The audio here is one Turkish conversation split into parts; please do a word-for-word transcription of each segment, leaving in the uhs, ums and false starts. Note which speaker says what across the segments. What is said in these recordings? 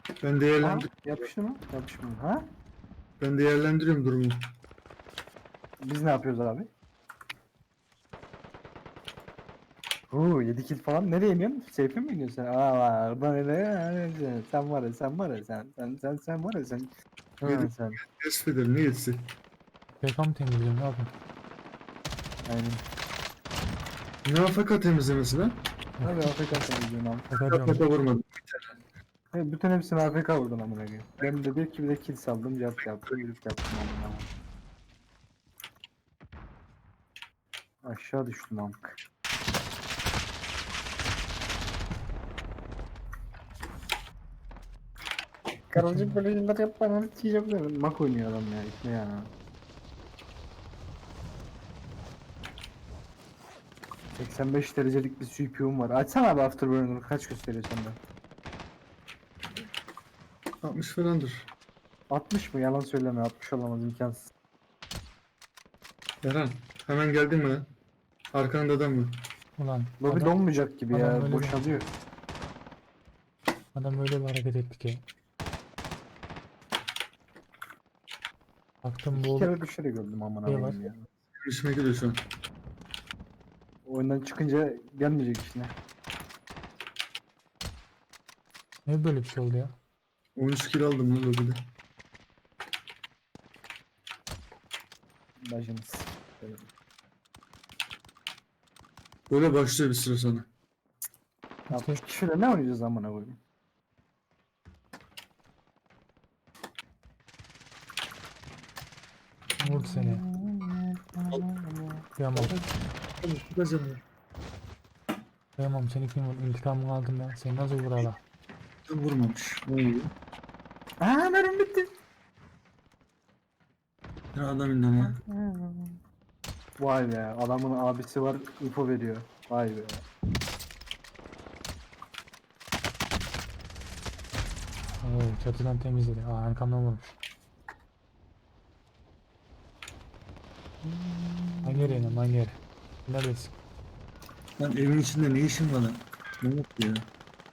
Speaker 1: Ben
Speaker 2: Ha,
Speaker 1: değerlendir
Speaker 2: yapıştı mı? Yapışmıyor. Ha?
Speaker 1: ben değerlendiriyorum durumu.
Speaker 2: Biz ne yapıyoruz abi? Oo yedi kill falan. Nereye iniyorsun? Seyfe mi iniyorsun sen? Aa oradan nereye? Sen var ya sen var ya sen. Sen sen sen var ya sen.
Speaker 1: Yedi
Speaker 2: Ha sen.
Speaker 1: tespit ederim. Ne yetisi?
Speaker 3: P K mı temizliyorum ne yapayım?
Speaker 2: Aynen.
Speaker 1: Ne afaka temizlemesi lan?
Speaker 2: Abi A F K temizliyorsun abi.
Speaker 3: P K diyorum.
Speaker 1: Afaka vurmadım.
Speaker 2: He, bütün hepsini A F K vurdun amına koyayım. Ben de bir ki bir de kill saldım. Cart yaptım. Yürüp yaptım amına koyayım. Aşağı düştüm amk. Karıcık böyle yıllar yapma lan çiğcem dedim. Mak oynuyor adam ya ipne ya. seksen beş derecelik bir C P U'm var. Açsana abi Afterburner kaç gösteriyor sende?
Speaker 1: altmış falandır.
Speaker 2: altmış mı? Yalan söyleme altmış olamaz imkansız.
Speaker 1: Erhan hemen geldin mi lan? Arkanda adam mı?
Speaker 3: Ulan
Speaker 2: Lobi
Speaker 3: adam,
Speaker 2: donmayacak gibi
Speaker 3: adam
Speaker 2: ya
Speaker 3: öyle
Speaker 2: boşalıyor.
Speaker 3: adam öyle bir hareket etti ki. Baktım bu
Speaker 2: İki
Speaker 3: oğlum
Speaker 2: kere düşerek öldüm amına
Speaker 3: Şey
Speaker 2: koyayım
Speaker 3: var.
Speaker 2: ya.
Speaker 1: Görüşmek üzere şu an.
Speaker 2: Oyundan çıkınca gelmeyecek işte.
Speaker 3: ne böyle bir şey oldu ya?
Speaker 1: on üç kill aldım lan lobide.
Speaker 2: Bacınız.
Speaker 1: Böyle başlıyor bir süre sonra.
Speaker 2: altmış kişiyle ne oynayacağız amına koyayım?
Speaker 3: Vurdu seni. Kıyamam.
Speaker 1: Tutacağım.
Speaker 3: Kıyamam seni kim vurdu? İntikamını aldım ya. Seni nasıl vur hala?
Speaker 1: Vurmamış. Ne oluyor?
Speaker 2: Aaa mermim bitti.
Speaker 1: Ya adam indi ama.
Speaker 2: Vay be adamın abisi var info veriyor. Vay be.
Speaker 3: Oo, çatıdan temizledi. Aa arkamdan vurmuş. Hangi yere inen hangi yere? Neredesin?
Speaker 1: Lan evin içinde ne işin var lan? Ne yaptı ya?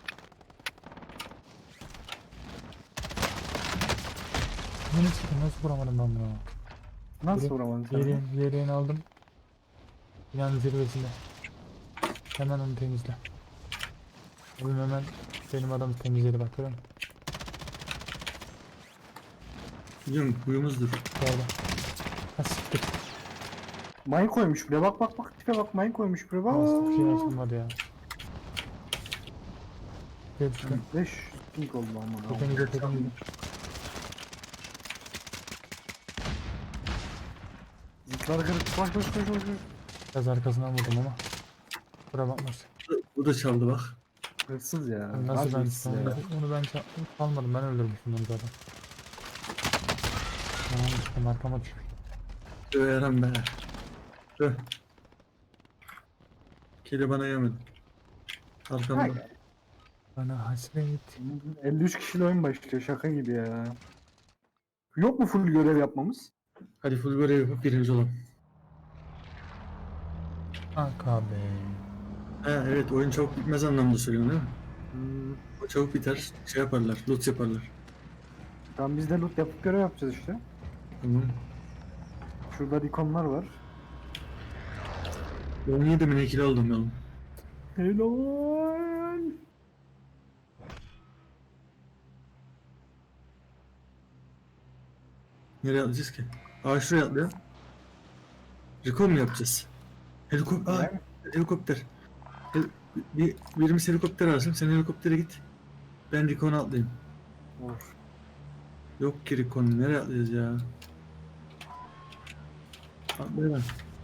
Speaker 3: Beni sıkın nasıl vuramadım ben bunu?
Speaker 2: Nasıl
Speaker 3: Yere-
Speaker 2: vuramadın sen?
Speaker 3: Yerin, yerini aldım. Binanın zirvesinde. Hemen onu temizle. Abim hemen benim adamı temizledi bak görüyor musun?
Speaker 1: Biliyorum huyumuzdur.
Speaker 3: Orada. Ha siktir.
Speaker 2: Mayın koymuş bile bak bak bak tipe bak mayın koymuş bile bak.
Speaker 3: Nasıl bir şey açılmadı ya. Gel işte.
Speaker 2: beş pink oldu amına.
Speaker 3: Tepeni gel tepeni gel.
Speaker 2: Zıtlar kırık koş koş koş koş.
Speaker 3: Biraz arkasından vurdum ama. Bura bakmaz.
Speaker 1: Bu da çaldı bak.
Speaker 2: Hırsız ya.
Speaker 3: Nasıl ben
Speaker 2: hırsız ya.
Speaker 3: onu, onu ben ça- çalmadım ben öldürmüştüm onu zaten. Tamam işte arkama düşmüş.
Speaker 1: Tüh Eren be. Tüh. Kedi bana yemedi. Arkamda.
Speaker 2: Hay.
Speaker 3: Bana hasret.
Speaker 2: elli üç kişiyle oyun başlıyor şaka gibi ya. Yok mu full görev yapmamız?
Speaker 1: Hadi full görev yapıp birinci olalım.
Speaker 3: Kanka be.
Speaker 1: Ha evet oyun çabuk bitmez anlamda söylüyorsun değil mi?
Speaker 2: Hmm.
Speaker 1: O çabuk biter. Şey yaparlar. Loot yaparlar.
Speaker 2: Tamam biz de loot yapıp görev yapacağız işte.
Speaker 1: Tamam.
Speaker 2: Şurada ikonlar var.
Speaker 1: on yedi mi ne kilo aldım yalım.
Speaker 2: Helal.
Speaker 1: Nereye atlayacağız ki? Aa şuraya atlayalım. Recon mu yapacağız? Helikopter. Aa,
Speaker 2: Yani.
Speaker 1: helikopter. Hel bir, birimiz helikopter alsın. Sen helikoptere git. Ben Recon'a atlayayım.
Speaker 2: Olur.
Speaker 1: Yok ki Recon. Nereye atlayacağız ya? Atlayalım.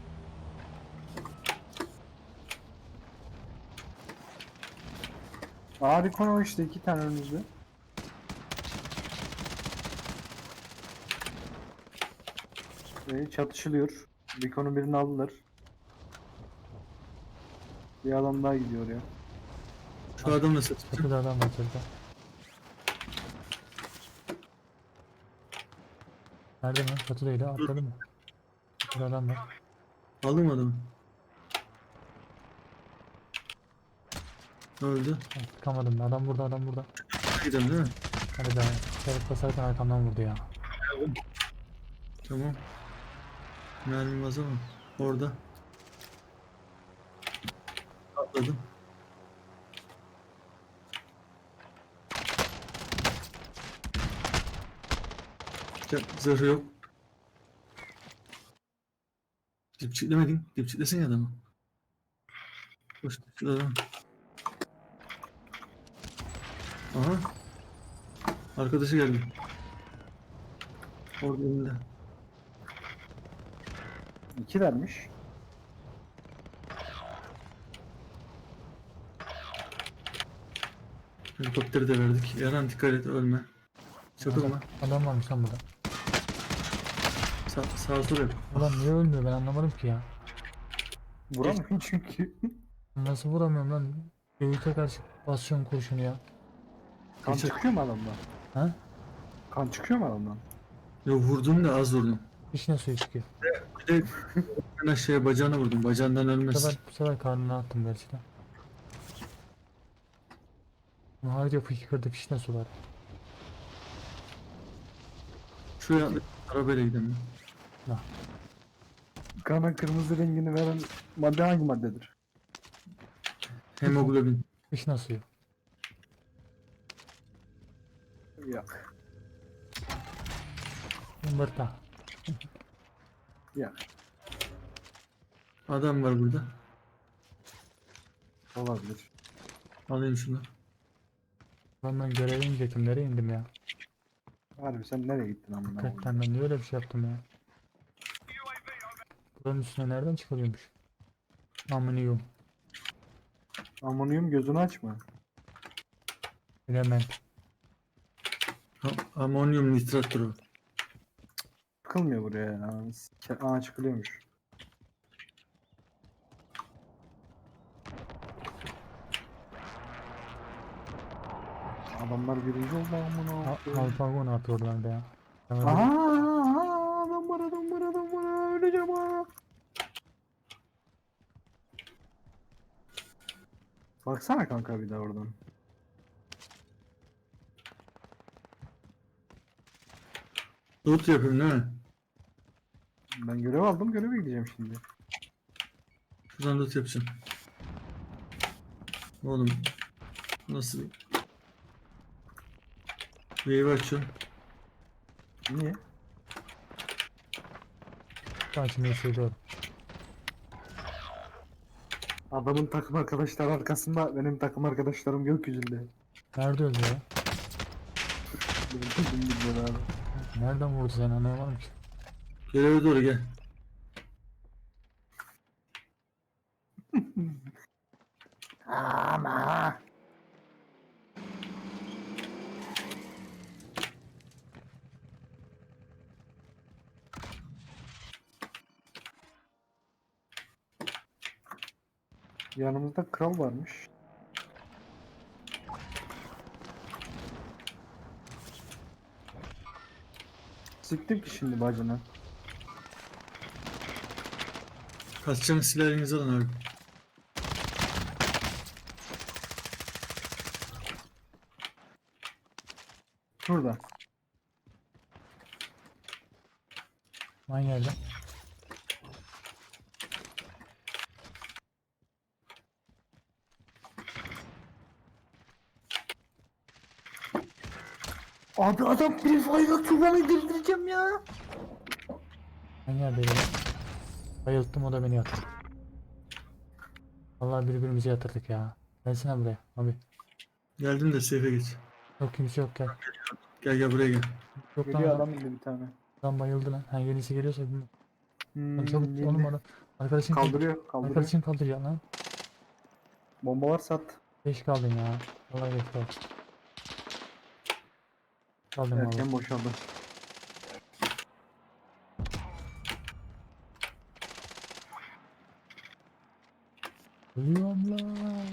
Speaker 2: Aa ikon o işte iki tane önümüzde. Ve çatışılıyor. Beacon'un birini aldılar. Bir adam daha gidiyor ya.
Speaker 1: Şu adamla satacağım.
Speaker 3: Çatıda adam var çatıda. Nerede mi? Çatıdaydı atladı mı? Çatıda adam var.
Speaker 1: Aldım adamı. Ne oldu?
Speaker 3: Ha, Sıkamadım adam burada adam burada.
Speaker 1: Gidelim değil mi?
Speaker 3: Hadi be. Çelik basarken arkamdan vurdu ya.
Speaker 1: Tamam. Mermim az ama. Orada. Atladım. Ya, zırhı yok. Dipçiklemedin. Dipçiklesin ya adamı. Koş dipçikle. Aha. Arkadaşı geldi. Orada önünde.
Speaker 2: İkilermiş.
Speaker 1: Helikopteri de verdik. Yaran dikkat et ölme. Çakılma.
Speaker 3: Adam, adam varmış lan burada.
Speaker 1: Sa sağa sola yap.
Speaker 3: Ulan niye ölmüyor ben anlamadım ki ya.
Speaker 2: Vuramıyor çünkü.
Speaker 3: Nasıl vuramıyorum lan? Göğüte karşı basıyorum kurşunu ya.
Speaker 2: Kan
Speaker 1: Geçer.
Speaker 2: çıkıyor mu adamdan?
Speaker 3: Ha?
Speaker 2: Kan çıkıyor mu adamdan?
Speaker 1: Yo vurdum da az vurdum.
Speaker 3: Vişne suyu çıkıyor.
Speaker 1: Bir de ben aşağıya bacağına vurdum. Bacağından
Speaker 3: Bu
Speaker 1: ölmez.
Speaker 3: sefer, bu sefer karnına attım gerçi de. Harca fışkırdı fişne sular.
Speaker 1: Şuraya atla- arabayla gidelim.
Speaker 2: Kana kırmızı rengini veren madde hangi maddedir?
Speaker 1: Hemoglobin.
Speaker 3: Fişne suyu.
Speaker 2: Yok.
Speaker 3: Yumurta.
Speaker 2: Yok.
Speaker 1: Adam var burada.
Speaker 2: Olabilir.
Speaker 1: Alayım şunu.
Speaker 3: Lan ben göreve inecektim. Nereye indim ya?
Speaker 2: Harbi sen nereye gittin amına koyayım?
Speaker 3: Hakikaten ben niye öyle bir şey yaptım ya? Buranın üstüne nereden çıkarıyormuş? Amınıyım.
Speaker 2: Amonyum gözünü açma.
Speaker 3: Element.
Speaker 1: Ha, amonyum nitrattır o.
Speaker 2: Çıkılmıyor buraya ya. Sike- Aa çıkılıyormuş. Adamlar birinci oldu amına
Speaker 3: Al-
Speaker 2: koyayım.
Speaker 3: Alpago ne yapıyorlar be ya? Ben öyle-
Speaker 2: Aha, aha, adam var adam var adam var öleceğim ha. Baksana kanka bir de oradan.
Speaker 1: Loot yapayım değil mi?
Speaker 2: Ben görev aldım göreve gideceğim şimdi.
Speaker 1: Şuradan loot yapacağım. Oğlum. Nasıl? Wave açıyorum.
Speaker 2: Niye?
Speaker 3: Açmayı seviyorum.
Speaker 2: Adamın takım arkadaşları arkasında benim takım arkadaşlarım gökyüzünde.
Speaker 3: Nerede öldü ya?
Speaker 2: Benim takım gidiyor abi.
Speaker 3: Nereden vurdu seni anlayamadım ki.
Speaker 1: Göreve doğru gel.
Speaker 2: Ama. Yanımızda kral varmış. Siktim ki şimdi bacını.
Speaker 1: Kaçacağınız silah elinize alın abi.
Speaker 2: Şurada.
Speaker 3: Aynı yerde.
Speaker 2: Abi adam Free Fire'da tuğlanı girdireceğim ya.
Speaker 3: Aynı yerdeydi lan. Bayılttım o da beni yatırdı. Vallahi birbirimizi yatırdık ya. Gelsene buraya abi.
Speaker 1: Geldim de safe'e geç.
Speaker 3: Yok kimse yok gel.
Speaker 1: Gel gel buraya gel.
Speaker 3: Yok lan
Speaker 2: Geliyor
Speaker 3: adam,
Speaker 2: adam indi bir tane.
Speaker 3: adam bayıldı lan. Ha yenisi geliyorsa bilmiyorum.
Speaker 2: Hmm,
Speaker 3: Lan çabuk
Speaker 2: indi.
Speaker 3: oğlum adam. Arkadaşın kaldır.
Speaker 2: Kaldırıyor kaldırıyor.
Speaker 3: Arkadaşın kaldıracak lan.
Speaker 2: Bombalar sat.
Speaker 3: Geç kaldın ya. Vallahi geç kaldın. Kaldım vallahi.
Speaker 2: Erken boşaldı.
Speaker 3: Ölüyorum lan.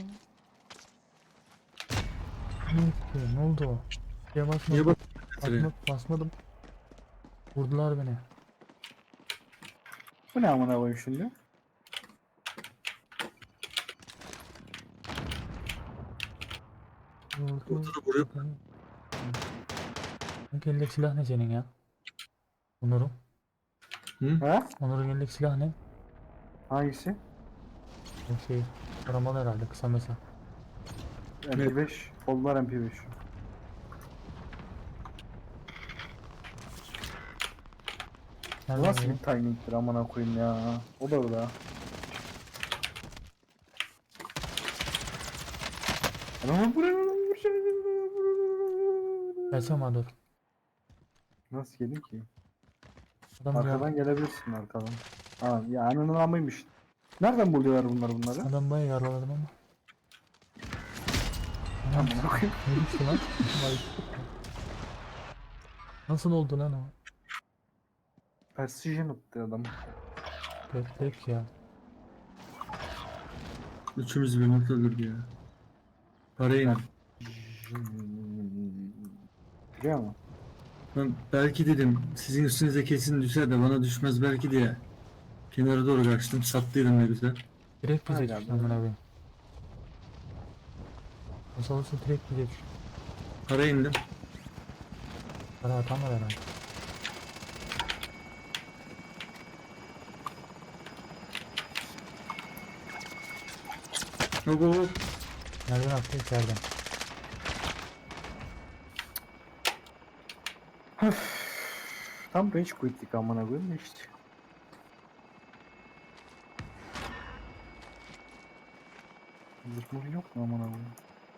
Speaker 3: Ne yaptı? Ne oldu? Şeye
Speaker 1: Niye
Speaker 3: basmadım.
Speaker 1: bak?
Speaker 3: Basma, basmadım. Vurdular beni.
Speaker 2: Bu ne amına koyayım şimdi?
Speaker 3: Vurdu.
Speaker 1: Ortada vuruyor.
Speaker 3: Kanka elindeki silah ne senin ya? Onur'un.
Speaker 1: Hı?
Speaker 2: Ha?
Speaker 3: Onur'un elindeki silah ne?
Speaker 2: Hangisi?
Speaker 3: O şey. Aramalı herhalde kısa mesafe.
Speaker 2: M P beş. Kollar M P beş. Bu
Speaker 3: Nereden
Speaker 2: nasıl
Speaker 3: geliyor?
Speaker 2: bir timing'tir amına koyayım ya. O da orada. Adamı buraya
Speaker 3: Gelsene bana dur.
Speaker 2: Nasıl gelin ki?
Speaker 3: Adam
Speaker 2: Arkadan
Speaker 3: ya.
Speaker 2: gelebilirsin arkadan. Ha ya ananın amıymış. Nereden buluyorlar bunlar bunları?
Speaker 3: Adam bayağı yaraladım ama. Anam
Speaker 2: Amına koyayım.
Speaker 3: ne biçim lan? Vay. Nasıl oldu lan o?
Speaker 2: Precision attı adam.
Speaker 3: Tek ya.
Speaker 1: Üçümüz bir nokta öldürdü ya. Parayı indim.
Speaker 2: Biliyor musun?
Speaker 1: Ben belki dedim sizin üstünüze kesin düşer de bana düşmez belki diye. Kenara doğru kaçtım. Sattıydım ne güzel.
Speaker 3: Direkt bize
Speaker 2: Hala
Speaker 3: düştü
Speaker 2: böyle.
Speaker 3: amına koyayım. Nasıl olsa direkt bize düştü.
Speaker 1: Parayı indim.
Speaker 3: Para atamadı herhalde.
Speaker 1: Hop hop hop.
Speaker 3: Nereden attı? İçeriden.
Speaker 2: Tam rage quit'lik amına koyayım da işte. Zıpmur yok mu amına koyayım?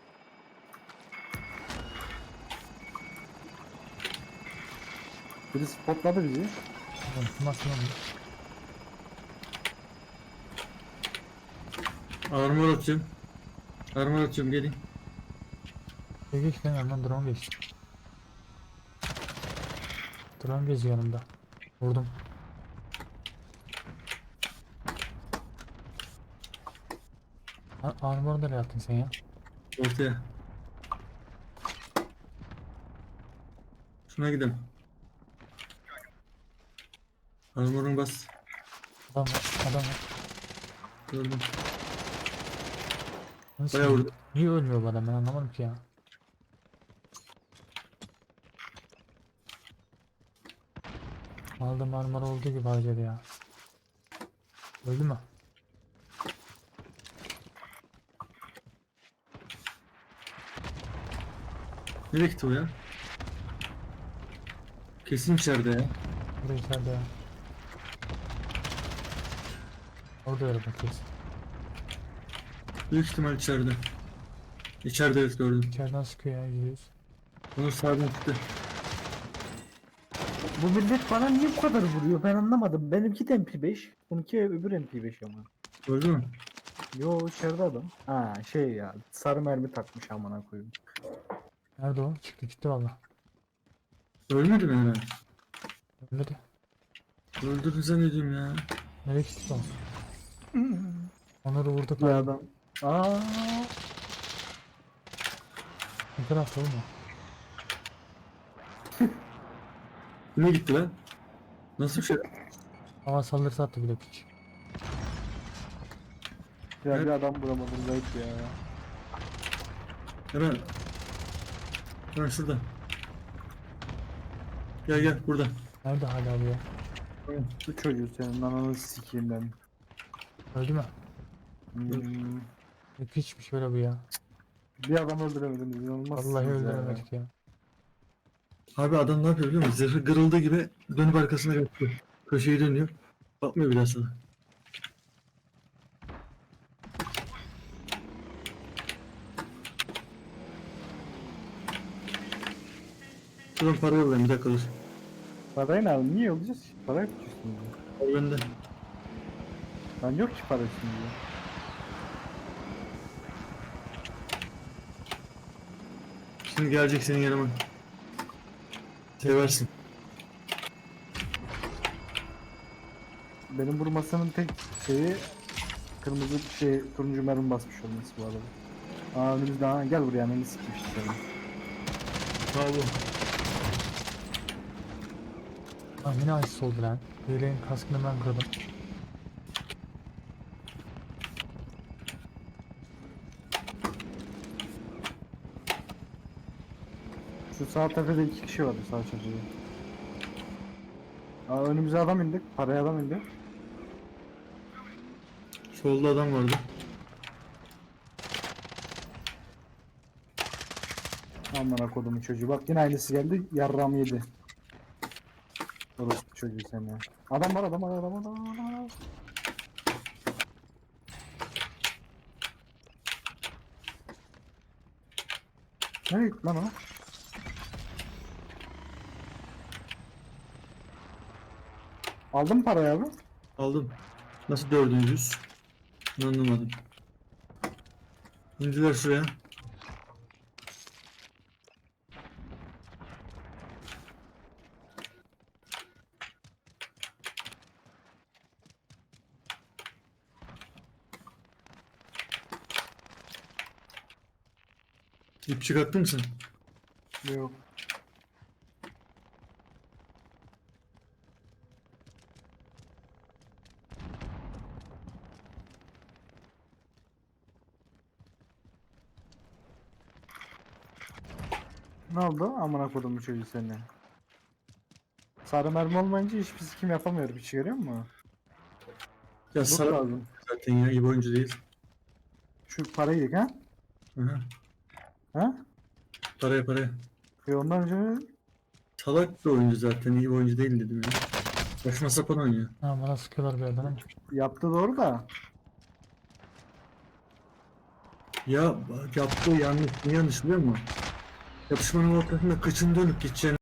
Speaker 2: Biri spotladı bizi.
Speaker 3: Oğlum şu nasıl lan bu?
Speaker 1: Armor atacağım. Armor atacağım gelin.
Speaker 3: Şey geç lan yanından drone geçti. Drone geziyor yanımda. Vurdum. Ha, armor nereye attın sen ya?
Speaker 1: Ortaya. Şuna gidelim. Armorun bas.
Speaker 3: Adam var, adam var.
Speaker 1: Gördüm.
Speaker 3: Nasıl
Speaker 1: Bayağı
Speaker 3: ya?
Speaker 1: vurdu.
Speaker 3: Niye ölmüyor bu adam ben anlamadım ki ya. Aldım armor olduğu gibi harcadı ya. Öldü mü?
Speaker 1: Nereye gitti o ya? Kesin içeride ya.
Speaker 3: Burada içeride ya. Orada öyle bakıyoruz.
Speaker 1: Büyük ihtimal içeride. İçeride evet gördüm.
Speaker 3: İçeriden sıkıyor ya yüzde yüz.
Speaker 1: Onu sağdan çıktı.
Speaker 2: Bu millet bana niye bu kadar vuruyor ben anlamadım. Benimki de M P beş. Bununki öbür M P beş ama.
Speaker 1: Gördün mü?
Speaker 2: Yo içeride adam. Ha şey ya sarı mermi takmış amına koyayım.
Speaker 3: Nerede o? Çıktı gitti valla.
Speaker 1: Ölmedi mi hemen?
Speaker 3: Ölmedi.
Speaker 1: Öldürdün zannediyorum ya.
Speaker 3: Nereye gitti o? Onları vurduk
Speaker 2: Bir
Speaker 3: lan.
Speaker 2: adam. Aa.
Speaker 3: Ne tarafta oğlum o?
Speaker 1: Ne gitti lan? Nasıl bir şey?
Speaker 3: Hava saldırısı attı bile piç.
Speaker 2: Ya
Speaker 1: Evet.
Speaker 2: bir adam bulamadım zayıf ya.
Speaker 1: Hemen. Hemen şurada. Gel gel burada.
Speaker 3: Nerede hala bu ya?
Speaker 2: Bu çocuğu senin ananı sikeyim ben.
Speaker 3: Öldü mü?
Speaker 2: Hmm.
Speaker 3: Ne piçmiş böyle bu ya.
Speaker 2: Bir adam öldüremediniz inanılmaz.
Speaker 3: Vallahi öldüremedik ya.
Speaker 1: Abi adam ne yapıyor biliyor musun? Zırhı kırıldığı gibi dönüp arkasına kaçıyor. Köşeyi dönüyor. Bakmıyor bir daha sana. Şuradan para yollayayım bir dakika dur.
Speaker 2: Parayı ne aldın? Niye yollayacağız? Parayı tutuyorsun ya.
Speaker 1: Para bende.
Speaker 2: Lan yok ki para şimdi.
Speaker 1: Şimdi gelecek senin yanıma. Seversin.
Speaker 2: Benim vurmasının tek şeyi kırmızı şey turuncu mermi basmış olması bu arada. Aa önümüzde ha gel buraya beni sikeyim işte seni.
Speaker 1: Bravo.
Speaker 3: Lan yine açısı oldu lan. Hilenin kaskını ben kırdım.
Speaker 2: Şu sağ tepede iki kişi vardı sağ çocuğu. Aa, önümüze adam indi. Paraya adam indi.
Speaker 1: Solda adam vardı.
Speaker 2: Amına kodumun çocuğu. Bak yine aynısı geldi. Yarram yedi. Orospu çocuğu sen ya. Adam var adam var adam var adam var. Adam var. Nereye gitti lan o? Aldın mı parayı abi?
Speaker 1: Aldım. Nasıl dördüncüyüz? Bunu anlamadım. İndiler şuraya. İp çıkarttın mı sen?
Speaker 2: Yok. Ne oldu? Amına kodum bu çocuğu seni. Sarı mermi olmayınca hiçbir sikim yapamıyorum. Hiç görüyor musun?
Speaker 1: Ya
Speaker 2: Loot
Speaker 1: sarı
Speaker 2: lazım.
Speaker 1: zaten ya, iyi bir oyuncu değil.
Speaker 2: Şu parayı yedik ha?
Speaker 1: Aha.
Speaker 2: Ha?
Speaker 1: Paraya paraya.
Speaker 2: E ondan önce
Speaker 1: Salak bir oyuncu zaten, iyi bir oyuncu değil dedim ya. Saçma sapan oynuyor.
Speaker 3: Ha, bana sıkıyorlar bir yerden ama.
Speaker 2: yaptı doğru da.
Speaker 1: Ya yaptığı yanlış, ne yanlış biliyor musun? Yapışmanın ortasında kıçını dönüp gideceğini